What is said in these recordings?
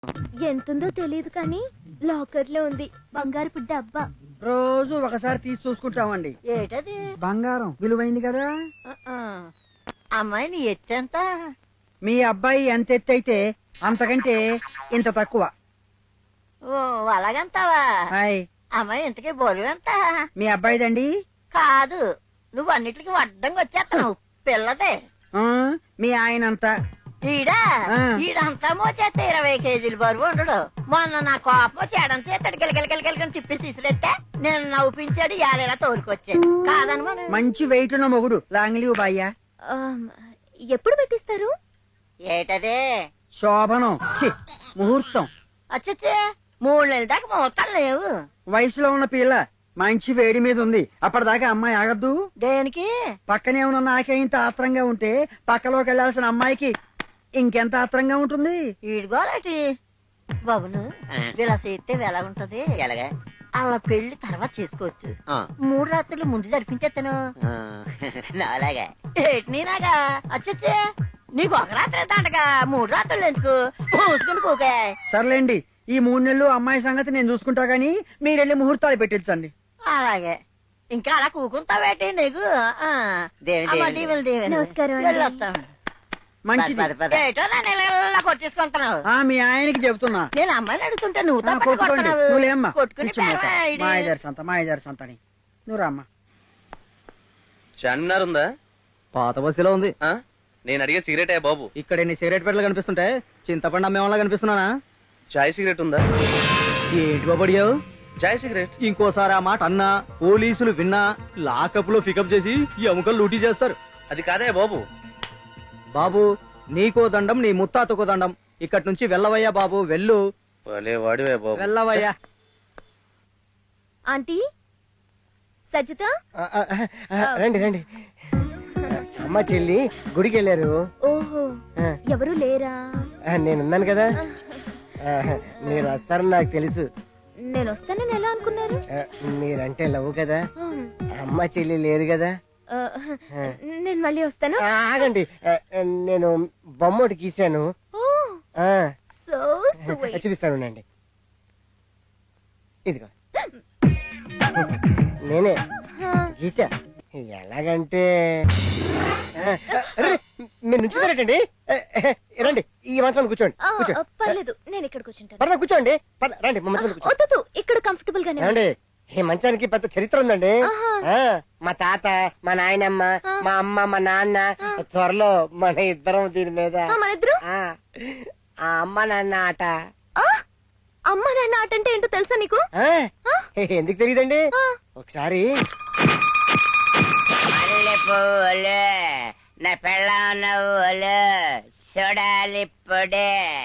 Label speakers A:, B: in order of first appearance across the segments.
A: ఎంతుందో తెలియదు కానీ లాకర్ లో ఉంది బంగారు డబ్బా.
B: రోజు ఒకసారి తీసి చూసుకుంటామండి.
C: ఏటది?
B: బంగారం విలువైంది కదా.
C: అమ్మాయి నీ ఎత్తెంత?
B: మీ అబ్బాయి ఎంత ఎత్తు అయితే అంతకంటే ఇంత తక్కువ.
C: ఓ అలాగంతావా?
B: హాయ్,
C: అమ్మాయి ఇంతకీ బరువు ఎంత?
B: మీ అబ్బాయిదండి.
C: కాదు, నువ్వు అన్నిటికీ వడ్డంగా వచ్చేస్తావు. పిల్లదే.
B: మీ ఆయన అంతా.
C: ఈడంతా మోచేస్తే 20 కేజీలు బరువు ఉండడు. మొన్న నా కోపం చేయడం చేస్తాడు గిలగిలగిలగిలని తిప్పి సిసిరెత్తే నేను నవ్వుపించాడు. యాలేలా తోలుకొచ్చాడు. కాదని మనం
B: మంచి వెయిట్ ఉన్న మొగుడు లాంగ్లీవ్ బాయ్యా.
A: ఎప్పుడు పెట్టిస్తారు?
C: ఏటదే?
B: శోభనం, ముహూర్తం.
C: అచ్చచ్చే, 3 నెలల దాకా ముహూర్తాలు లేవు.
B: వయసులో ఉన్న పిల్ల మంచి వేడి మీద ఉంది. అప్పటిదాకా అమ్మాయి ఆగద్దు.
C: దేనికి?
B: పక్కనే ఉన్న నాకే ఇంత ఆత్రంగా ఉంటే పక్కలోకి వెళ్లాల్సిన అమ్మాయికి ఇంకెంత ఆత్రంగా ఉంటుంది.
C: ఈడుగోలేటి బాబును ఇలా చేస్తే ఎలా ఉంటది? ఎలాగా? అలా పెళ్లి తర్వాత చేసుకోవచ్చు. 3 రాత్రులు ముందు జరిపించేస్తాను. అలాగా? ఏటి నీనాగా? అచ్చచ్చే, నీకు ఒక రాత్రి ఎంత అంటగా 3 రాత్రులు ఎందుకు? మూసుకుని కూకే.
B: సర్లేండి, ఈ 3 నెలలు అమ్మాయి సంగతి నేను చూసుకుంటా గానీ మీరెళ్ళి ముహూర్తాలు పెట్టించండి.
C: అలాగే. ఇంకా అలా కూకుంటావేటి నీకు?
A: నమస్కారం.
B: మంచిది.
C: ఏటో నన్ను ఇలా కొట్టేసుకుంటున్నావు.
B: మీ ఆయనకి చెబుతున్నా.
C: నేను అమ్మాయిని అడుగుతుంటే నువ్వు
B: కొట్టుకోండి. నువ్వులేమ్మా.
C: కొట్టుకుని
B: మాయదారి సంతని నువ్వు రామ్మా.
D: చార్మినార్ ఉందా?
E: పాత బస్సులో ఉంది.
D: నేను అడిగే సిగరెట్ బాబు.
E: ఇక్కడ ఎన్ని సిగరెట్ పెట్టలు కనిపిస్తుంటే చింతపండు అమ్మేవాళ్ళ కనిపిస్తున్నానా?
D: చాయ్ సిగరెట్ ఉందా?
E: ఏంటి బాబు అడిగావు?
D: చాయ్ సిగరెట్.
E: ఇంకోసారి ఆ మాట అన్నా పోలీసులు విన్నా లాకప్ లో పికప్ చేసి ఈ ఎముకలు లూటీ చేస్తారు.
D: అది కాదే బాబు.
E: బాబు నీకో దండం, నీ ముత్తాతకో దండం. ఇక్కడి నుంచి వెళ్ళవయ్యా బాబు, వెళ్ళు.
D: వాడివే బాబు.
E: వెళ్ళవయ్యా.
A: ఆంటీ సజిత,
F: రండి రండి. అమ్మ చెల్లి గుడికి వెళ్ళారు.
A: ఓహో, ఎవరు లేరా?
F: నేనున్నాను కదా. మీరు వస్తారని నాకు తెలుసు.
A: నేను వస్తానని ఎలా అనుకున్నారు?
F: మీరంటే లవ్ కదా. అమ్మ చెల్లి లేరు కదా.
A: నేను మళ్ళీ వస్తాను.
F: ఆగండి, నేను బొమ్మ ఒకటి గీశాను. చూపిస్తాను అండి. ఇదిగో నేనే గీసా. ఎలాగంటే మీరు నుంచుతారేటండి. రండి, ఈ మంచం కూర్చోండి.
A: పర్లేదు, నేను ఇక్కడ కూర్చుంటాను.
F: పర్లేదు, కూర్చోండి. రండి,
A: వద్దు, ఇక్కడ కంఫర్టబుల్ గానే
F: రండి. ఈ మంచానికి పెద్ద చరిత్ర ఉందండి. మా తాత, మా నాయనమ్మ, మా అమ్మ, మా నాన్న, త్వరలో మన ఇద్దరం దీని మీద. ఆ అమ్మ నాన్న ఆట.
A: అమ్మ నాన్న ఆట అంటే ఏంటో తెలుసా నీకు?
F: ఎందుకు తెలియదండి? ఒకసారి
C: నా పెళ్ళం నవ్వులు చూడాలి పొడే.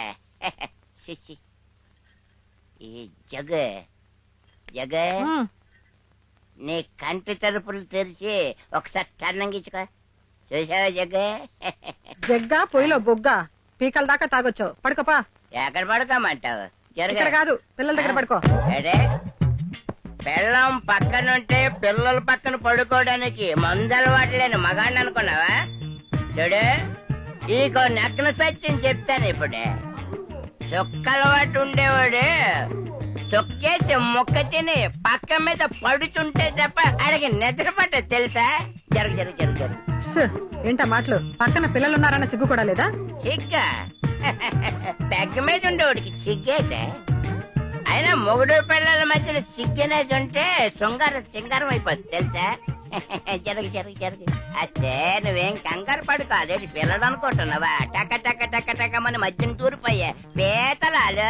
C: ఈ జగ జగ నీ కంటి తలుపులు తెరిచి ఒకసారి టన్నంగిచ్చుకో. చూసావా జగ్గ?
G: జగ్గా పొయ్యిలో బొగ్గ పీకల దాకా తాగొచ్చావు. పడుకోపా.
C: ఎక్కడ పడుకోమంటావు?
G: ఇక్కడ కాదు, పిల్లల దగ్గర పడుకో.
C: అడే, పెళ్ళం పక్కనుంటే పిల్లల పక్కన పడుకోవడానికి మందలవాటు లేని మగాడిని అనుకున్నావా? చూడు, ఈకో నక్కన సత్యం చెప్తాను. ఇప్పుడే చుక్కలవాటు ఉండేవాడు చొక్కేసి మొక్క తిని పక్క మీద పడుతుంటే తప్ప అడిగి నిద్ర పట్ట తెలుసా? జరుగు జరుగు జరుగు జరుగు.
G: ఏంటా మాటలు? పక్కన పిల్లలున్నారన్న సిగ్గు కూడా లేదా?
C: సిగ్గా? పెగ్గ మీద ఉండేవాడికి సిగ్గేటే. అయినా మొగుడు పిల్లల మధ్యలో సిగ్గనేది ఉంటే సింగారం అయిపోతుంది తెలుసా? జరుగు జరుగు జరుగు. అదే నువ్వేం కంగారు పడుకో. అదేంటి పిల్లడు అనుకుంటున్నావా? టక టక టక టకమని మధ్యన తూరిపోయా పీతలాలు.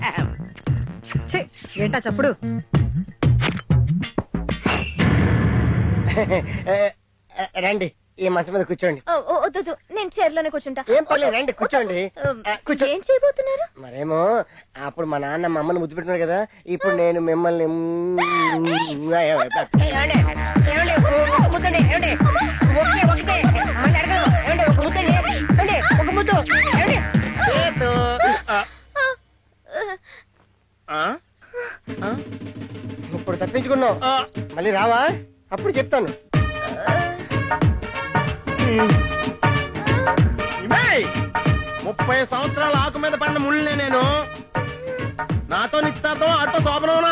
G: ఏంటా చప్పుడు?
F: రండి, ఈ మంచం మీద కూర్చోండి.
A: వద్దు, నేను చైర్లోనే కూర్చుంటా.
F: ఏం పర్లేదు, రండి కూర్చోండి.
A: ఏం చేయబోతున్నారు?
F: మరేమో అప్పుడు మా నాన్న మా అమ్మని ముద్దు పెట్టుకున్నారు కదా, ఇప్పుడు నేను మిమ్మల్ని ఇప్పుడు తప్పించుకున్నావు. మళ్ళీ రావా? అప్పుడు చెప్తాను.
H: 30 సంవత్సరాల ఆకు మీద పడిన ముళ్ళనే నేను. నాతో నిశ్చితార్థం ఆటో శోభనవునా?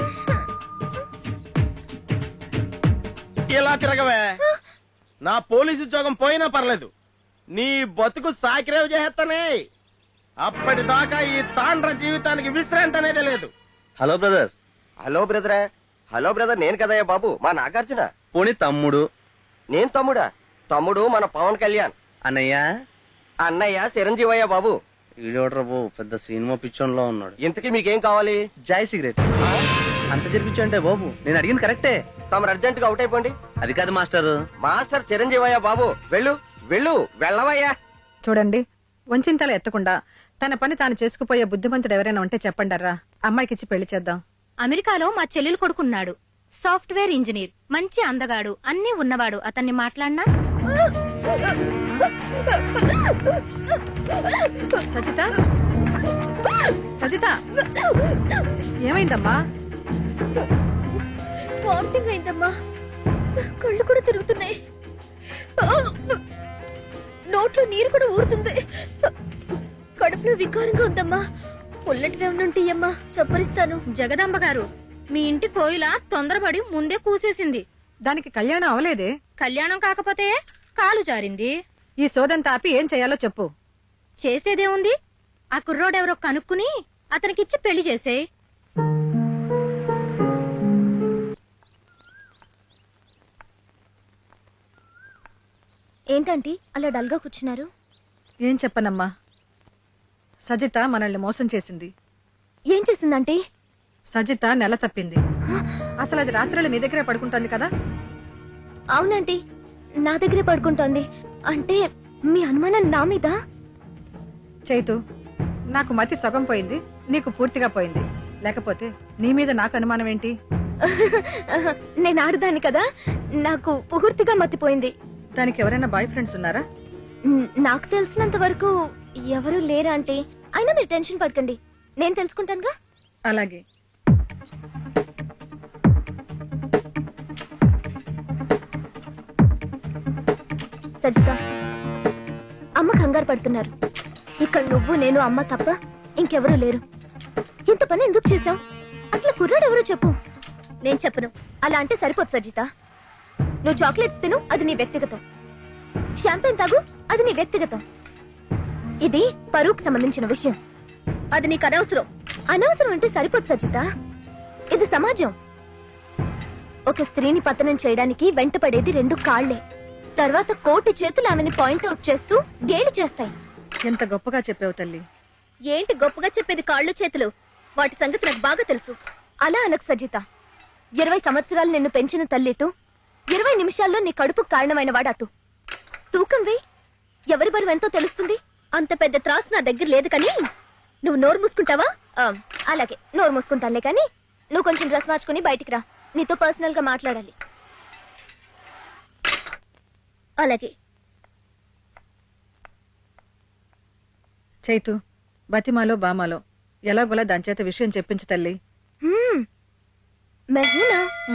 H: ఇలా తిరగవే. నా పోలీసు ఉద్యోగం పోయినా పర్లేదు, నీ బతుకు సాకిరేవ్ చేస్తానే. అప్పటిదాకా ఈ తాండ్ర జీవితానికి విశ్రాంతి అనేది లేదు.
D: Hello brother.
F: హలో బ్రదరా? హలో బ్రదర్ నేను కదయ్యా బాబు, మా నాగార్జున.
D: పోనీ తమ్ముడు.
F: నేను తమ్ముడా? తమ్ముడు మన పవన్ కళ్యాణ్.
D: అన్నయ్య.
F: అన్నయ్య చిరంజీవయ్య బాబు.
D: ఈడోడ్రా బాబు, పెద్ద సినిమా పిచ్చోన్లో ఉన్నాడు.
F: ఇంతకీ మీకేం కావాలి?
D: జాయ్ సిగరెట్. అంత జరిపించంటే బాబు, నేను అడిగింది కరెక్టే.
F: తమరు అర్జెంట్ గా అవుట్ అయిపోండి.
D: అది కాదు మాస్టర్.
F: మాస్టర్ చిరంజీవయ్య బాబు, వెళ్ళు వెళ్ళు, వెళ్ళవయ్యా.
G: చూడండి, వంచింతలు ఎత్తకుండా తన పని తాను చేసుకుపోయే బుద్ధిమంతుడు ఎవరైనా ఉంటే చెప్పండర్రా. అమ్మాయికిచ్చి పెళ్లి చేద్దాం.
I: అమెరికాలో మా చెల్లెలు కొడుకున్నాడు, సాఫ్ట్వేర్ ఇంజనీర్, మంచి అందగాడు, అన్నీ ఉన్నవాడు. అతన్ని మాట్లాడినా?
G: సజిత, సజిత, ఏమైందమ్మా?
A: వామిటింగ్ అయిందమ్మా, కళ్ళు కూడా తిరుగుతున్నాయి, నోట్లో నీరు కూడా ఊరుతుంది, కడుపులో వికారంగా ఉందమ్మా. పుల్లటివి ఏమనుంటే అమ్మా చప్పరిస్తాను.
I: జగదాంబ గారు, మీ ఇంటి కోయిల తొందరపడి ముందే కూసేసింది.
G: దానికి కళ్యాణం అవలేదే.
I: కళ్యాణం కాకపోతే కాలు జారింది.
G: ఈ సోదంతా ఆపి ఏం చేయాలో చెప్పు.
I: చేసేదేముంది, ఆ కుర్రోడెవరో కనుక్కుని అతనికిచ్చి పెళ్లి చేసే.
A: ఏంటంటీ అలా డల్గా కూర్చున్నారు?
G: ఏం చెప్పనమ్మా, సజిత మనల్ని మోసం చేసింది.
A: ఏం చేసిందంటే?
G: సజిత నెల తప్పింది. అసలు అది రాత్రులు నీ దగ్గరే పడుకుంటోంది కదా?
A: అవునంటీ, నా దగ్గరే పడుకుంటోంది. అంటే మీ అనుమానం నా మీద?
G: చైతు, నాకు మతి సగం పోయింది, నీకు పూర్తిగా పోయింది. లేకపోతే నీ మీద నాకు అనుమానం ఏంటి?
A: నేను ఆడదాన్ని కదా, నాకు పూర్తిగా మతిపోయింది.
G: దానికి ఎవరైనా బాయ్ ఫ్రెండ్స్ ఉన్నారా?
A: నాకు తెలిసినంత వరకు ఎవరూ లేరా అంటే. అయినా మీరు టెన్షన్ పడకండి, నేను తెలుసుకుంటానుగా.
G: అలాగే.
A: సజిత, అమ్మ కంగారు పడుతున్నారు. ఇక్కడ నువ్వు, నేను, అమ్మ తప్ప ఇంకెవరూ లేరు. ఇంత పని ఎందుకు చేశావు? అసలు కుర్రాడు ఎవరో చెప్పు. నేను చెప్పను. అలా అంటే సరిపోదు సజిత. నువ్వు చాక్లెట్స్ తిను, అది నీ వ్యక్తిగతం. షాంపెన్ తాగు, అది నీ వ్యక్తిగతం. ఇది పరువుకు సంబంధించిన విషయం, అది నీకు అనవసరం. అనవసరం అంటే సరిపోదు సజిత. ఇది సమాజం. ఒక స్త్రీని పతనం చేయడానికి వెంటపడేది 2 కాళ్లే. తర్వాత కోటి చేతులు ఆమెని పాయింట్అవుట్ చేస్తూ గేలి చేస్తాయి.
G: ఎంత గొప్పగా చెప్పావు తల్లి.
A: ఏంటి గొప్పగా చెప్పేది? కాళ్ళు చేతులు, వాటి సంగతి నాకు బాగా తెలుసు. అలా అనకు సజిత. 20 సంవత్సరాలు నిన్ను పెంచిన తల్లిటు, 20 నిమిషాల్లో నీ కడుపు కారణమైన వాడటు. తూకం వేయి, ఎవరి బరువు ఎంతో తెలుస్తుంది. అంత పెద్ద త్రాసు నా దగ్గర లేదు. కానీ నువ్వు నోరు మూసుకుంటావా? అలాగే నోరు మూసుకుంటానులే. కానీ నువ్వు కొంచెం డ్రెస్ మార్చుకుని బయటికి రా, నీతో పర్సనల్ గా మాట్లాడాలి. అలాగే.
G: చైతు, బతిమాలో బామాలో ఎలాగోలా దాని చేత విషయం చెప్పించు తల్లి.
A: మెహూనా,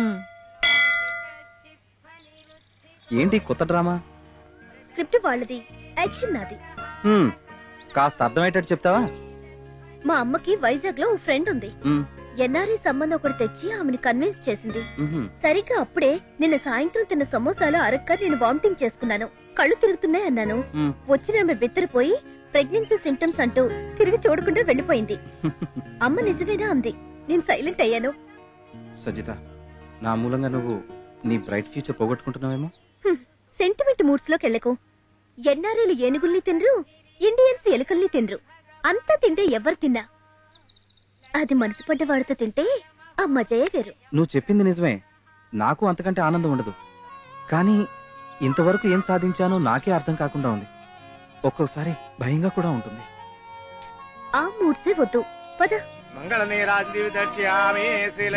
E: ఏంటి కొత్త డ్రామా?
A: స్క్రిప్ట్ వాళ్ళది, యాక్షన్ నాది.
E: కాస్త అర్థమయ్యేటట్టు చెప్తావా?
A: మా అమ్మకి వైజాగ్ లో ఓ ఫ్రెండ్ ఉంది. ఎన్ఆర్ఐ సంబంధం ఒకటి తెచ్చి ఆమెను కన్విన్స్ చేసింది. సరిగ్గా అప్పుడే నిన్న సాయంత్రం తిన్న సమోసాలు అరక్క నేను వామిటింగ్ చేసుకున్నాను, కళ్ళు తిరుగుతున్నాయి అన్నాను. వచ్చిన ఆమె బిత్తరపోయి ప్రెగ్నెన్సీ సింటమ్స్ అంటూ తిరిగి చూడకుండా వెళ్లిపోయింది. అమ్మ నిజమేనా అంది. నేను సైలెంట్ అయ్యాను.
E: సజిత, నా మూలంగా నువ్వు నీ బ్రైట్ ఫ్యూచర్ పోగొట్టుకుంటున్నావేమో.
A: సెంటిమెంట్ మూడ్స్ లోకి వెళ్ళకు. ఎన్ఆర్ఐలు ఏనుగుల్ని తినరు, ఇండియన్స్ ఎలుకల్ని తినరు. అంతా తింటే ఎవరు తిన్నా అది మనసు పడ్డ వాడితో తింటే ఆ మజయే వేరు.
E: నువ్వు చెప్పింది నిజమే, నాకు అంతకంటే ఆనందం ఉండదు. కానీ ఇంతవరకు ఏం సాధించానో నాకే అర్థం కాకుండా ఉంది. ఒక్కొక్కసారి భయంగా కూడా ఉంటుంది.
A: ఆ మూడ్సే వద్దు, పద.
H: మంగళ నీరాజ దివి దర్శయామి శ్రీ